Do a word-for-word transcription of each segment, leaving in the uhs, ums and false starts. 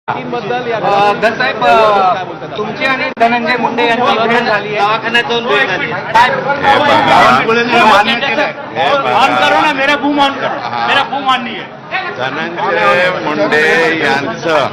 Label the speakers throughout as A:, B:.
A: साहेब तुमची आणि धनंजय मुंडे यांची भेट झाली आहे दवाखान्यात जाऊन भेट झाली ऑन करो ना मेरा बूम ऑन करो मेरा बूम ऑन नहीं है।
B: धनंजय मुंडे यांचं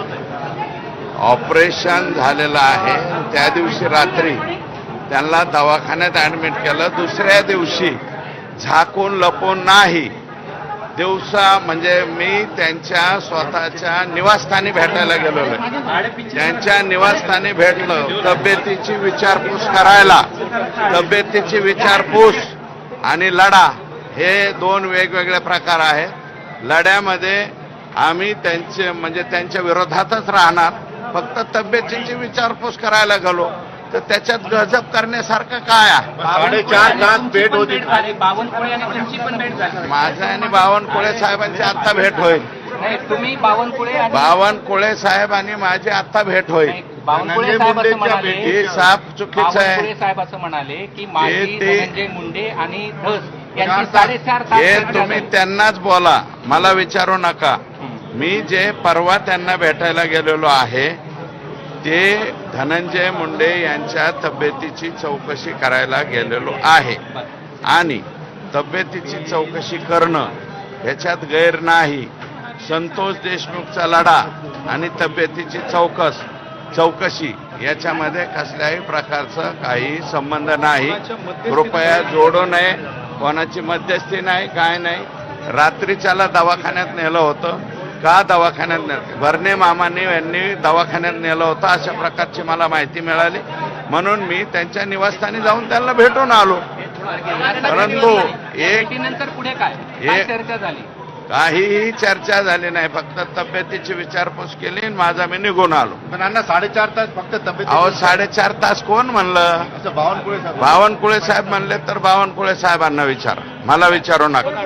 B: ऑपरेशन झालेलं आहे। त्या दिवशी रात्री त्यांना दवाखान्यात ऍडमिट केलं। दुसऱ्या दिवशी झाकून लपून नाही, दिवसा म्हणजे मी त्यांच्या स्वतःच्या निवासस्थानी भेटायला गेलो। त्यांच्या निवासस्थानी भेटलं, तब्येतीची विचारपूस करायला। तब्येतीची विचारपूस आणि लढा हे दोन वेगवेगळे प्रकार आहेत। लढ्यामध्ये आम्ही त्यांचे म्हणजे त्यांच्या विरोधातच राहणार, फक्त तब्येतीची विचारपूस करायला गेलो तर त्याच्यात गजब करण्यासारखं काय आहे?
A: साडेचार तास भेट होती, बावनकुळे आणि तुमची पण भेट झाली।
B: माझा आणि बावनकुळे साहेबांची आता भेट होईल।
A: तुम्ही बावनकुळे
B: बावनकुळे साहेब आणि माझी आता भेट होईल।
A: बावनकुळे साहेब असं म्हणाले,
B: हे साफ चुकीचं आहे।
A: बावनकुळे साहेब असं म्हणाले की माझी धनंजय मुंडे आणि धस यांची साडेचार तास
B: हे तुम्ही त्यांनाच बोला, मला विचारू नका। मी जे परवा त्यांना भेटायला गेलेलो आहे ते धनंजय मुंडे यांच्या तब्येतीची चौकशी करायला गेलेलो आहे आणि तब्येतीची चौकशी करणं ह्याच्यात गैर नाही। संतोष देशमुखचा लढा आणि तब्येतीची चौकस चौकशी याच्यामध्ये कसल्याही प्रकारचा काही संबंध नाही। कृपया जोडू नये, कोणाची मध्यस्थी नाही, काय नाही। रात्रीच्याला दवाखान्यात नेलं होतं का? दवाखान्यात नेलं भरणे मामांनी यांनी दवाखान्यात नेलं होतं अशा प्रकारची मला माहिती मिळाली, म्हणून मी त्यांच्या निवासस्थानी जाऊन त्यांना भेटून आलो। परंतु एक
A: नंतर पुढे काय चर्चा झाली?
B: काहीही चर्चा झाली नाही, फक्त तब्येतीची विचारपूस केली आणि माझा मी निघून आलो।
C: पण अण्णा साडेचार तास फक्त तब्येत
B: अहो साडेचार तास कोण म्हणलं?
C: बावनकुळे साहेब
B: बावनकुळे साहेब म्हणले तर बावनकुळे साहेबांना विचारा, मला विचारू नका।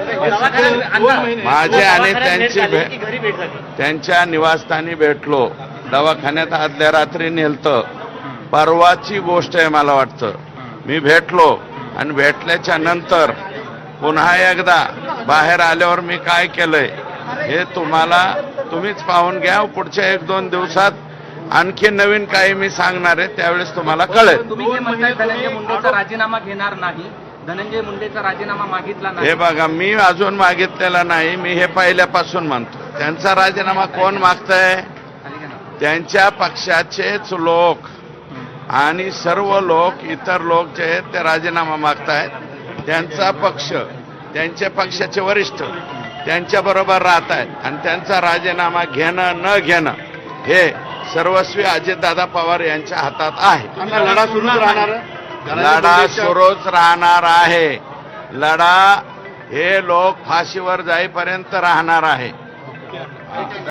B: माझे आणि त्यांची भेट त्यांच्या निवासस्थानी भेटलो, दवाखान्यात आदल्या रात्री नेलतं। परवाची गोष्ट आहे मला वाटतं। मी भेटलो आणि भेटल्याच्या नंतर पुन्हा एकदा बाहेर आल्यावर मी काय केलंय हे तुम्हाला तुम्हीच पाहून घ्या। पुढच्या एक दोन दिवसात आणखी नवीन काही मी सांगणार आहे, त्यावेळेस तुम्हाला कळेल।
A: तुम्ही जे म्हणताय धनंजय मुंडेचा राजीनामा घेणार नाही, धनंजय मुंडेचा राजीनामा मागितला नाही,
B: हे बघा मी अजून मागितलेला नाही, मी हे पहिल्यापासून म्हणतो। त्यांचा राजीनामा कोण मागतंय? त्यांच्या पक्षाचेच लोक आणि सर्व लोक, इतर लोक जे आहेत ते राजीनामा मागतायत। त्यांचा पक्ष, त्यांच्या पक्षाचे वरिष्ठ त्यांच्या बरोबर राहत आहेत आणि त्यांचा राजीनामा घेणं न घेणं हे सर्वस्वी अजितदादा पवार यांच्या हातात आहे।
C: लढा सुरूच राहणार,
B: लढा सुरूच राहणार आहे। लढा हे लोक फाशीवर जाईपर्यंत राहणार आहे।